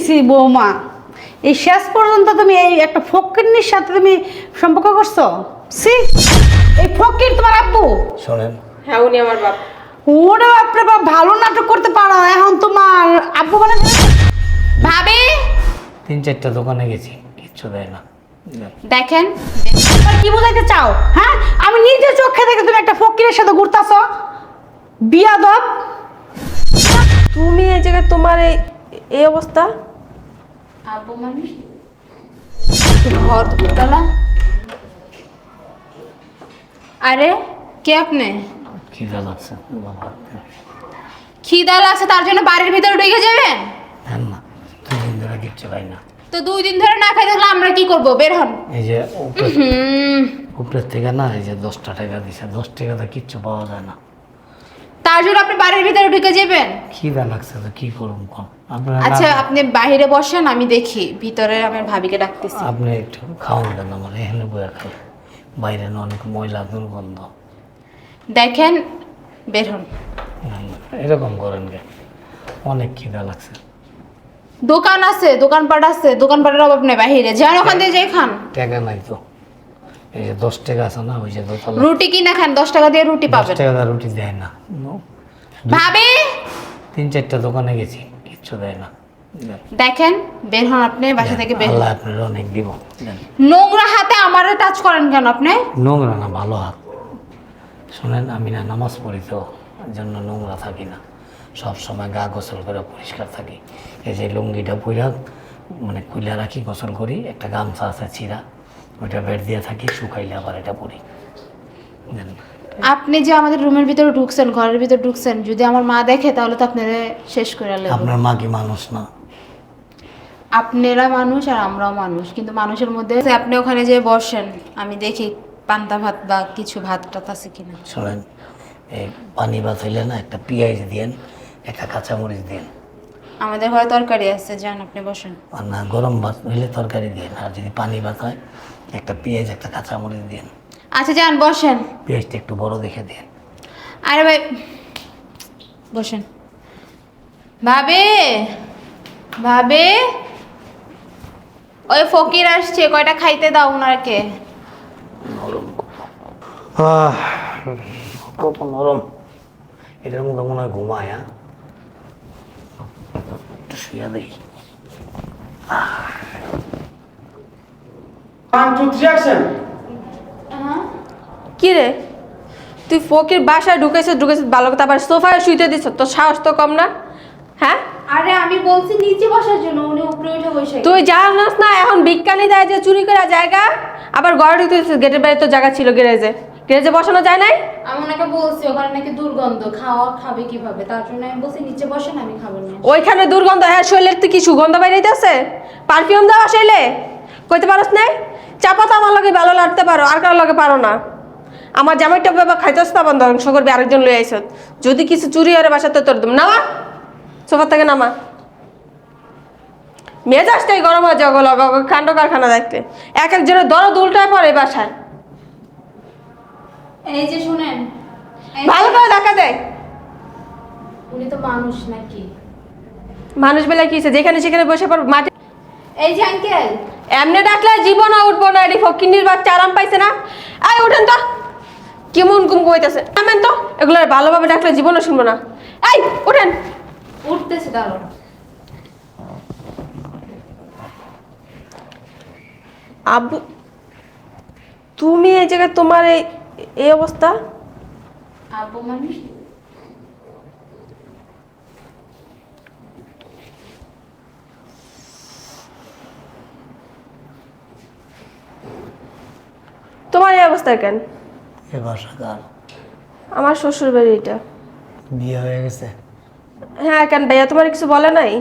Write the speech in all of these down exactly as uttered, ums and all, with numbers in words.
C বৌমা, এই শেষ পর্যন্ত তুমি এই একটা ফকিরনির সাথে তুমি সম্পর্ক করছো? সি, এই ফকির তোমার আব্বু? শোনেন, হ্যাঁ উনি আমার বাপ। ওরে বাপরে বাপ, ভালো নাটক করতে পারো, এখন তোমার আব্বু মানে ভাবি তিন চারটা দোকানে গেছি, কিচ্ছু দেয় না। দেখেন, এবার কি বোঝাইতে চাও? হ্যাঁ, আমি নিজে চোখে দেখে তুমি একটা ফকিরের সাথে ঘুরতাছো, বিয়াদব। তুমি এই জায়গায় তোমার এই এই অবস্থা। আব্বু মানে ঘর দুতলা। আরে কে আপনি? খিদা লাগছে বাবা। খিদা লাগছে তার জন্য বাড়ির ভিতরে ঢুকে যাবেন? হ্যাঁ না, দুই দিন ধরে কিচ্ছু খাই না। তো দুই দিন ধরে না খাই থাকলে আমরা কি করব? বের হন। এই যে উপরে- হুম, উপরের থেকে না, এই যে দশটা টাকা দিছে, দশ টাকাতে কিচ্ছু পাওয়া যায় না। তার জন্য আপনি বাড়ির ভিতরে ঢুকে যাবেন? খিদা লাগছে তো কি করুন কম। আপনারা আচ্ছা না- আপনি বাইরে বসেন, আমি দেখি ভিতরে আমার ভাবিকে ডাকতেছি। আপনি একটু খাওয়ান দেন আমার, এখানে বয়ে খাই। বাইরে না অনেক ময়লা দুর্গন্ধ। দেখেন, বের হন। হুম, এরকম করেন কে? অনেক খিদা লাগছে। দোকান আছে, দোকানপাট আছে, দোকানপাটের অভাব নেই, বাহিরে যান, ওখান থেকে যাই খান। টাকা নাই তো। এই যে দশ টাকা আছে না, ওই যে দোতলা, রুটি কিনা খান, দশ টাকা দিয়ে রুটি দশ পাবেন। টাকা দিয়ে রুটি দেয় না। নো, ভাবি তিন চারটা দোকানে গেছি, কিচ্ছু দেয় না। দেন। দেখেন, বের হন আপনি বাসা থেকে, বের হন। আল্লাহ আপনার অনেক দিব। দেন। নোংরা হাতে আমারে টাচ করেন কেন আপনি? নোংরা না, ভালো হাত। শোনেন, আমি না নামাজ পড়ি তো, এর জন্য নোংরা থাকি না। সব সময় গা গোসল করে পরিষ্কার থাকি। এই যে লুঙ্গিটা পুইরা মানে কুইলা রাখি, গোসল করি। একটা গামছা আছে ছিঁড়া, ওইটা বেড দিয়ে থাকি, শুকাইলে আবার এটা পরি। দেন। আপনি যে আমাদের রুমের ভিতরে ঢুকছেন, ঘরের ভিতরে ঢুকছেন, যদি আমার মা দেখে তাহলে তো আপনারা শেষ করে নেব। আপনার মা কি মানুষ না? আপনারা মানুষ আর আমরাও মানুষ, কিন্তু মানুষের মধ্যে আপনি ওখানে যে বসেন, আমি দেখি পান্তা ভাত বা কিছু ভাত টাত আছে কিনা। শোনেন, এই পানি ভাত হইলে না একটা পেঁয়াজ দিয়েন, একটা কাঁচামরিচ দিন। আমাদের ঘরে তরকারি আছে, যান আপনি বসেন। আর না, গরম ভাত হইলে তরকারি দিন। আর যদি পানি ভাত হয়, একটা পেঁয়াজ একটা কাঁচামরিচ দিন। আচ্ছা যান বসেন। পেঁয়াজটা একটু বড় দেখে দিন। আরে ভাই বসেন। ভাবে ভাবে ওই ফকির আসছে, কয়টা খাইতে দাও ওনাকে। নরম আহ, কত নরম। এটার মধ্যে মনে হয় ঘুমায়। হ্যাঁ, একটু শুয়ে দেখি। One, two, three, action! কি রে, তুই ফকির বাসায় ঢুকেছিস ঢুকেছিস ভালো কথা, আবার সোফায় শুইতে দিছ, তোর সাহস তো কম না? হ্যাঁ, আরে আমি বলছি নিচে বসার জন্য, উনি উপরে উঠে বসে। তুই জানাস না এখন বিজ্ঞানী দেয় যে চুরি করা জায়গা? আবার ঘরে ঢুকতেছিস, গেটের বাইরে তো জায়গা ছিল, গ্যারেজে গ্যারেজে বসানো যায় নাই? আমি ওনাকে বলছি ওখানে নাকি দুর্গন্ধ, খাওয়া খাবে কিভাবে, তার জন্য আমি বলছি নিচে বসেন, আমি খাবো না। ওইখানে দুর্গন্ধ, হ্যাঁ শরীরের তুই কি সুগন্ধ বাইরেছে? পারফিউম দেওয়া শরীরে কইতে পারস নাই? চাপাতা আমার লগে ভালো লাগতে পারো, আর কারোর লগে পারো না। আমার জামাইটা বাবা খাইতেস না, বন্ধ ধ্বংস করবি, আরেকজন লই আইস। যদি কিছু চুরি হয়ে বাসাতে তোর দম নামা, সোফা থেকে নামা। মেজাজটাই গরম হয়ে যাও গো কাণ্ড কারখানা দেখতে, এক একজনের দরদ উল্টায় পড়ে বাসায়। এই যে শুনেন, এই যে- ভালো করে দেখা দেয় উনি তো মানুষ নাকি? মানুষ বেলা কি হয়েছে, যেখানে সেখানে বসে পড় মাটি। এই যে আঙ্কেল, এমনি ডাকলে জীবন উঠবো না, এটি ফকিন্নির বাচ্চা আরাম পাইছে না। এই উঠেন তো, কেমন গুম কইতেছে, নামেন তো। এগুলো ভালোভাবে ডাকলে জীবনও শুনবো না। এই উঠেন। উঠতেছে দাঁড়ো। আব্বু, তুমি এই জায়গায় তোমার এই এই অবস্থা। আব্বু মানে তোমার এই অবস্থা কেন? এ বাসা কার? আমার শ্বশুর বাড়ি এটা। বিয়ে হয়ে গেছে? হ্যাঁ কেন ভাইয়া, তোমার কিছু বলে নাই?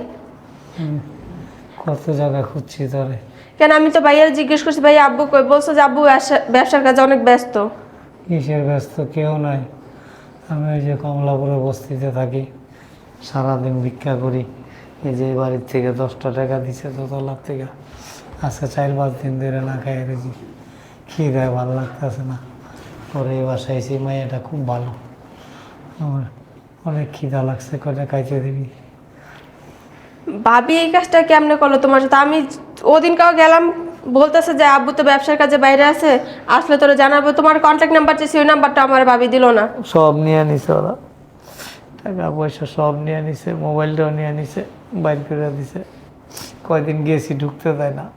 কত জায়গা খুঁজছি তোরে। কেন আমি তো ভাইয়ার জিজ্ঞেস করছি, ভাইয়া আব্বু কই, বলছো যে আব্বু ব্যবসা- ব্যবসার কাজে অনেক ব্যস্ত। কিসের ব্যস্ত? কেউ নাই। আমি ওই যে কমলাপুরে বস্তিতে থাকি, সারাদিন ভিক্ষা করি। এই যে বাড়ির থেকে দশটা টাকা দিছে দোতলার থেকে, আজকে চার পাঁচ দিন ধরে না খাই রেছি। খিদায় ভালো লাগতেছে না। পরে এই বাসায় এসে মাইয়াটা খুব ভালো, আমার অনেক খিদা লাগছে, কয়টা খাইতে দিবি? ভাবি এই কাজটা কেমনে করলো তোমার সাথে? আমি ওদিন কাউ গেলাম, বলতেছে যে আব্বু তো ব্যবসার কাজে বাইরে আছে, আসলে তোরা জানাবো। তোমার কন্ট্যাক্ট নাম্বার চেয়েছি, ওই নাম্বারটা আমার ভাবি দিল না। সব নিয়ে নিছে ওরা, টাকা পয়সা সব নিয়ে নিছে, মোবাইলটাও নিয়ে নিছে, বাইর করে দিছে। কয়দিন গেছি ঢুকতে দেয় না।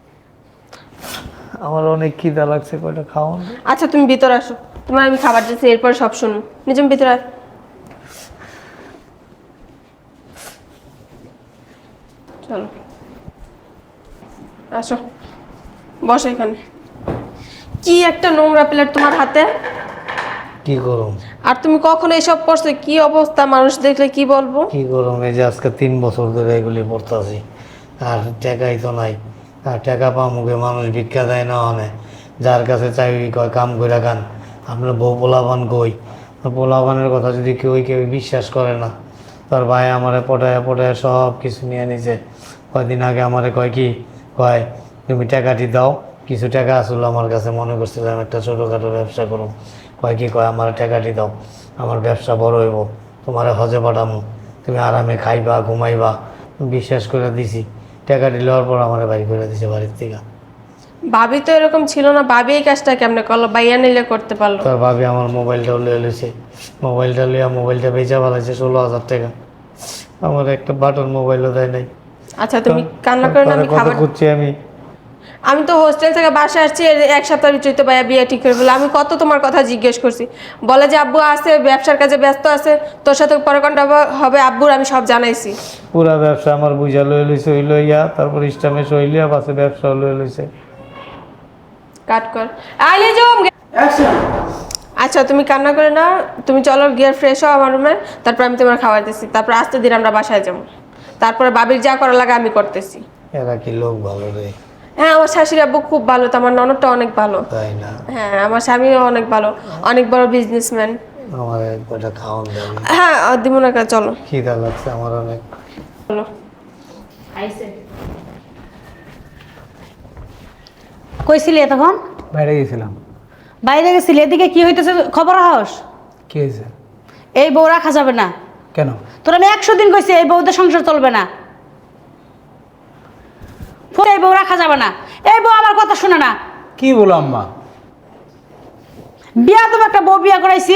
আমার অনেক খিদা লাগছে, কয়টা খাওয়ান। আচ্ছা তুমি ভিতরে আসো, তোমার আমি খাবার দিচ্ছি, এরপর সব শুনুন। নিজম ভিতরে আয়। চলো আসো, বসো এখানে। কি একটা নোংরা প্লেট তোমার হাতে, কি করুম আর তুমি কখনো এসব করছো? কি অবস্থা, মানুষ দেখলে কি বলবো? কি করুম এই যে আজকে তিন বছর ধরে এগুলি পড়তাছি, আর টাকাই তো নাই। আর টাকা পামুকে মানুষ ভিক্ষা দেয় না, অনে যার কাছে চাই কয় কাম করে খান। আপনার বউ পোলাপান কই, পোলাপানের কথা যদি কেউ কেউ বিশ্বাস করে না। তার ভাই আমারে পটায় পটায় সব কিছু নিয়ে নিছে। কয়দিন আগে আমারে কয় কি কয়, তুমি টাকাটি দাও। কিছু টাকা আসলো আমার কাছে, মনে করছিলাম একটা ছোটোখাটো ব্যবসা করুম। কয় কি কয়, আমার টাকাটি দাও, আমার ব্যবসা বড় হইব, তোমার হজে পাঠামো, তুমি আরামে খাইবা ঘুমাইবা। বিশ্বাস করে দিছি, টাকাটি লওয়ার পর আমার বাড়ি করে দিছে বাড়ির থেকে। ভাবি তো এরকম ছিল না, ভাবি এই কাজটা কেমনে করলো? বাইয়া নিলে করতে পারলো। তার ভাবি আমার মোবাইলটাও লয়ে লইছে, মোবাইলটা লইয়া মোবাইলটা বেচা ফেলাইছে ষোলো হাজার টাকা। আমার একটা বাটন মোবাইলও দেয় নাই। আচ্ছা তুমি কান্না করে না, আমি খাবার করছি আমি। আমি তো হোস্টেল থেকে বাসায় আসছি, এর এক সপ্তাহের ভিতরে তো ভাইয়া বিয়ে ঠিক করে বলে। আমি কত তোমার কথা জিজ্ঞেস করছি, বলে যে আব্বু আছে, ব্যবসার কাজে ব্যস্ত আছে, তোর সাথে পরে কোনটা হবে আব্বুর আমি সব জানাইছি। পুরা ব্যবসা আমার বুঝা লয়ে লইছে, ওই লইয়া তারপর ইস্টামে সইলিয়া পাশে ব্যবসা লয়ে লইছে। কাট কর, আইলে জম। আচ্ছা তুমি কান্না করে না, তুমি চলো গিয়ে ফ্রেশ হও আমার রুমে, তারপর আমি তোমার খাবার দিচ্ছি, তারপর আস্তে দিন আমরা বাসায় যাবো। তারপরে বাবির যা করা লাগে আমি করতেছি। এরা কি লোক ভালো রে? হ্যাঁ আমার শাশুড়ি আব্বু খুব ভালো, তো আমার ননদটা অনেক ভালো। তাই না? হ্যাঁ আমার স্বামীও অনেক ভালো, অনেক বড় বিজনেসম্যান। আমার একটা খাওয়ান দেবে? হ্যাঁ দিব না, চলো। খিদা লাগছে আমার অনেক। চলো। কইছিলি তখন? বাইরে গেছিলাম। বাইরে গেছিলি, এদিকে কি হইতেছে খবর হাস? কি হয়েছে? এই বউ রাখা যাবে না। কেন? তোর আমি একশো দিন কইছি এই বউতে সংসার চলবে না, এই বউ রাখা যাবে না। এই বউ আমার কথা শুনে না। কি বলো আম্মা? বিয়া তুমি একটা বউ বিয়া করাইছি,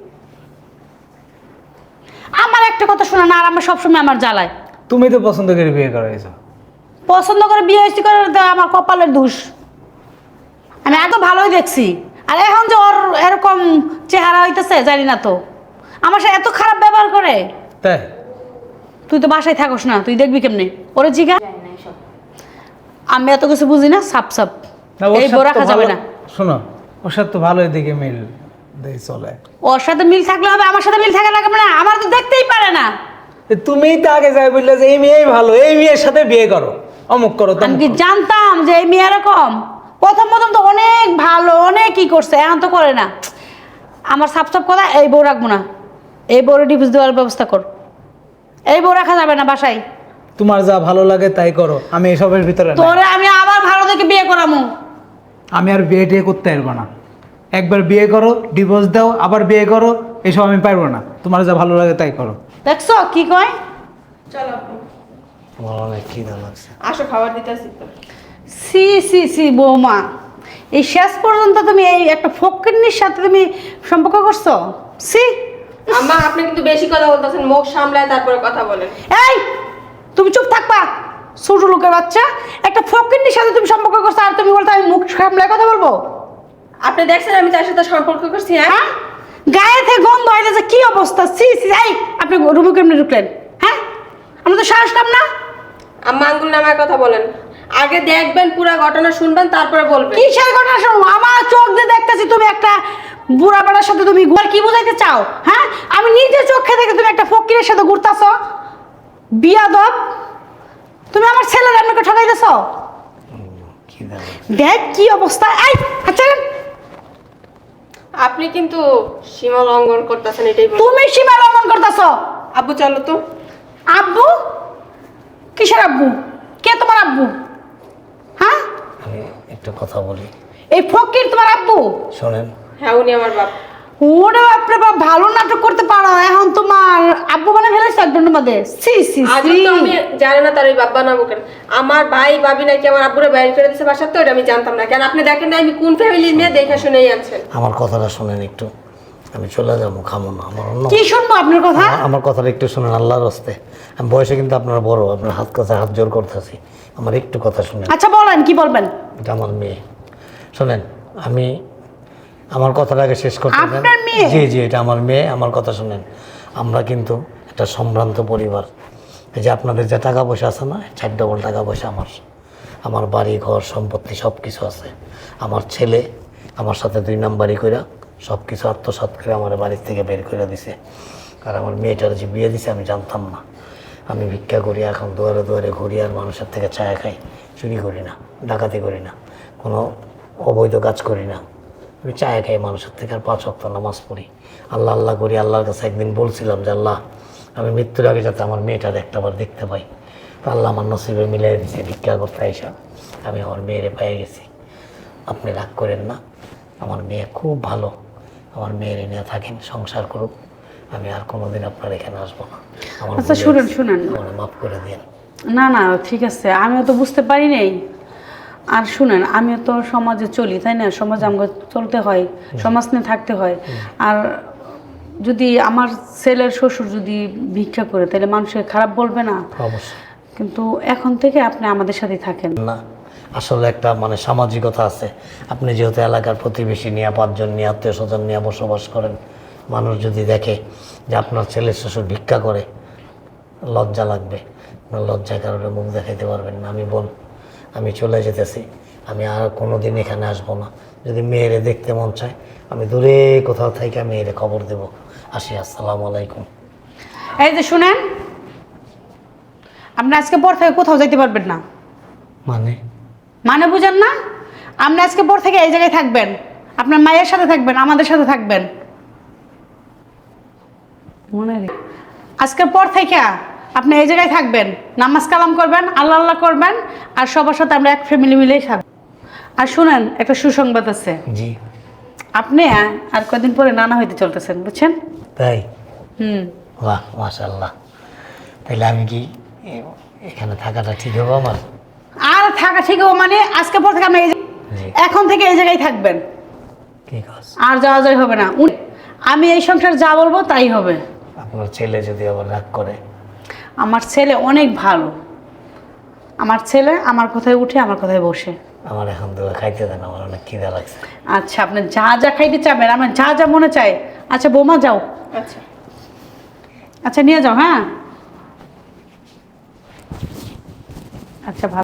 আমার একটা কথা শুনে না, আর আমার সবসময় আমার জ্বালায়। তুমি তো পছন্দ করে বিয়ে করাইছো। পছন্দ করে বিয়ে হয়েছি করে তো আমার কপালের দোষ। আমি এত ভালোই দেখছি, আর এখন যে ওর এরকম চেহারা হইতেছে জানি না তো, আমার সাথে এত খারাপ ব্যবহার করে। তাই? তুই তো বাসায় থাকস না, তুই দেখবি কেমনে ওরে জিগা। আমি এত কিছু বুঝি না, সাপ সাপ না, ওর এই সাথে বউ তো রাখা যাবে ভালো- না। শোনো, ওর সাথে তো ভালোই দিকে মিল দেই চলে। ওর সাথে মিল থাকলে হবে, আমার সাথে মিল থাকা লাগবে না। আমার তো দেখতেই পারে না। এ তুমিই তো আগে যাই বললে যে এই মেয়েই ভালো, এই মেয়ের সাথে বিয়ে করো, অমুক করো আমি তমুক কি করো। জানতাম যে এই মেয়ে এরকম? প্রথম প্রথম তো অনেক ভালো, অনেক কি করছে, এখন তো করে না। আমার সাপ সাপ কথা, এই বউ রাখবো না। এই বউরে ডিভোর্স দেওয়ার ব্যবস্থা কর। এই বউ রাখা যাবে না বাসায়। তোমার যা ভালো লাগে তাই করো, আমি এসবের ভিতরে নাই। তোরে আমি আবার ভালো দেখে বিয়ে করামু। আমি আর বিয়ে টিয়ে করতে পারবো না। একবার বিয়ে করো, ডিভোর্স দাও, আবার বিয়ে করো, এসব আমি পারবো না। তোমার যা ভালো লাগে তাই করো। দেখছো কি কয়? চলো আমার অনেক খিদা লাগছে। আসো, খাবার দিতেছি তো। সি সি সি বৌমা, এই শেষ পর্যন্ত তুমি এই একটা ফকিন্নির সাথে তুমি সম্পর্ক করছো? সি আম্মা আপনি কিন্তু বেশি কথা বলতেছেন, মুখ সামলায় তারপরে কথা বলেন। এই তুমি চুপ থাকবা, ছোট লোকের বাচ্চা। একটা ফকিন্নির সাথে তুমি সম্পর্ক করছো, আর তুমি বলতে আমি মুখ সামলায় কথা বলবো? আপনি দেখছেন আমি তার সাথে সম্পর্ক করছি? হ্যাঁ হ্যাঁ, গায়ে থেকে গন্ধ হইতেছে, কি অবস্থা! সি সি। এই আপনি রুমে কেমনি ঢুকলেন? হ্যাঁ, আমরা তো সাহস পাম না। আম্মা আঙ্গুল নামায় কথা বলেন, আগে দেখবেন পুরো ঘটনা শুনবেন তারপরে বলবেন। কিসের ঘটনা শুনবো? আমার চোখ দিয়ে দেখতেছি তুমি একটা বুড়া বেড়ার সাথে তুমি ঘুর, কি বোঝাইতে চাও? হ্যাঁ, আমি নিজে চোখে দেখে তুমি একটা ফকিরের সাথে ঘুরতাছ। বিয়াদব, তুমি আমার ছেলের আপনাকে ঠকাইতেছ। খিদা লাগছে। দেখ কি অবস্থা! এই আচ্ছা, আপনি কিন্তু সীমা লঙ্ঘন করতেছেন, এটাই বলুন। তুমি সীমা লঙ্ঘন করতেছ। আব্বু চলো তো। আব্বু? কিসের আব্বু? কে তোমার আব্বু? হ্যাঁ, আমি একটা কথা বলি। এই ফকির তোমার আব্বু? শোনেন, হ্যাঁ উনি আমার বাপ। ওরে বাপরে বাপ, ভালো নাটক করতে পারো, এখন তোমার আব্বু মানে ফেলেছে একজনের মধ্যে। সি সি আজ সি। তো আমি জানি না তার ওই বাবা নামও কেন। আমার ভাই ভাবি নাকি আমার আব্বুরে বাইরে করে দিয়েছে বাসার, তো এটা আমি জানতাম না। কেন আপনি দেখেন না আমি কোন ফ্যামিলির মেয়ে, দেখে শুনেই আনছেন। আমার কথাটা শুনেন একটু, আমি চলে যাবো, খামো না আমার অন্য কি শুনবো আপনার কথা? আমার- আমার কথাটা একটু শুনেন আল্লাহর হস্তে। আমি বয়সে কিন্তু আপনারা বড়, আপনার হাত কাছে হাত জোর করতেছি, আমার একটু কথা শুনেন। আচ্ছা বলেন, কি বলবেন? এটা আমার মেয়ে, শোনেন আমি আমার কথাটাকে শেষ করতে দেন। আপনার মেয়ে? জি জি এটা আমার মেয়ে, আমার কথা শুনেন। আমরা কিন্তু একটা সম্ভ্রান্ত পরিবার। এই যে আপনাদের যে টাকা পয়সা আছে না, চার ডবল টাকা পয়সা আমার, আমার বাড়ি ঘর সম্পত্তি সব কিছু আছে। আমার ছেলে আমার সাথে দুই নাম্বারই কইরা সব কিছু আত্মসাৎ করে আমার বাড়ির থেকে বের করে দিছে। আর আমার মেয়েটার যে বিয়ে দিছে আমি জানতাম না। আমি ভিক্ষা করি, এখন দুয়ারে দুয়ারে ঘুরি, আর মানুষের থেকে চায়া খাই, চুরি করি না, ডাকাতি করি না, কোনো অবৈধ কাজ করি না। আমি চায়া খাই মানুষের থেকে, আর পাঁচ ওয়াক্ত নামাজ পড়ি, আল্লাহ আল্লাহ করি। আল্লাহর কাছে একদিন বলছিলাম যে আল্লাহ আমি মৃত্যুর আগে যাতে আমার মেয়েটার একটাবার দেখতে পাই। তো আল্লাহ আমার নসিবে মিলাই দিয়েছে, ভিক্ষা করতে আইসা আমি আমার মেয়েরে পেয়ে গেছি। আপনি রাগ করেন না, আমার মেয়ে খুব ভালো, আমার মেয়ের নিয়ে থাকেন, সংসার করুক। আমি আর কোনোদিন আপনার এখানে আসবো না। আমার আচ্ছা, ভুল শুনেন, হয়েছে, শুনেন। আমাকে মাফ করে দিন। না না ঠিক আছে, আমিও তো বুঝতে পারি নাই। আর শুনেন, আমিও তো সমাজে চলি, তাই না? সমাজে আমাকে চলতে হয়, সমাজ নিয়ে থাকতে হয়। আর যদি আমার ছেলের শ্বশুর যদি ভিক্ষা করে, তাহলে মানুষের খারাপ বলবে না? অবশ্যই কিন্তু এখন থেকে আপনি আমাদের সাথেই থাকেন। না, আসলে একটা মানে সামাজিকতা আছে। আপনি যেহেতু এলাকার প্রতিবেশী নিয়ে, পাঁচজন নিয়ে, আত্মীয় স্বজন নিয়ে বসবাস করেন, মানুষ যদি দেখে যে আপনার ছেলের শ্বশুর ভিক্ষা করে, লজ্জা লাগবে। আপনার লজ্জার কারণে মুখ দেখাইতে পারবেন না। আমি বল, আমি চলে যেতেছি, আমি আর কোনো দিন এখানে আসবো না। যদি মেয়েরে দেখতে মন চায়, আমি দূরে কোথাও থেকে মেয়েরে খবর দেব। আসি, আসসালামু আলাইকুম। এই যে শুনেন, আপনি আজকে পর থেকে কোথাও যাইতে পারবেন না। মানে মানে বুঝেন না? আপনি আজকে পর থেকে এই জায়গায় থাকবেন, আপনার মায়ের সাথে থাকবেন, আমাদের সাথে থাকবেন। মনে রে, আজকের পর থেকে আপনি এই জায়গায় থাকবেন, নামাজ কালাম করবেন, আল্লাহ আল্লাহ করবেন, আর সবার সাথে আমরা এক ফ্যামিলি মিলেই থাকবো। আর শুনেন, একটা সুসংবাদ আছে। জি, আপনি আর কদিন পরে নানা হইতে চলতেছেন, বুঝছেন? তাই? হুম। বাহ, মাশাআল্লাহ। তাইলে আমি কি এ- এখানে থাকাটা ঠিক হবে আমার? আর থাকা ঠিক হবে মানে আজকে পর থেকে আপনি এই যে- জি। এখন থেকে এই জায়গায় থাকবেন, ঠিক আছে। আর যাওয়া যায় হবে না। উনি- আমি এই সংসার যা বলবো তাই হবে। আপনার ছেলে যদি আবার রাগ করে? আমার ছেলে অনেক ভালো, আমার ছেলে আমার কথায় উঠে আমার কথায় বসে। আমার এখন তো খাইতে দেন, আমার অনেক খিদা লাগছে। আচ্ছা, আপনি যা যা খাইতে চাবেন, আমার যা যা মনে চায়। আচ্ছা বৌমা যাও, আচ্ছা আচ্ছা নিয়ে যাও। হ্যাঁ, আচ্ছা ভালো।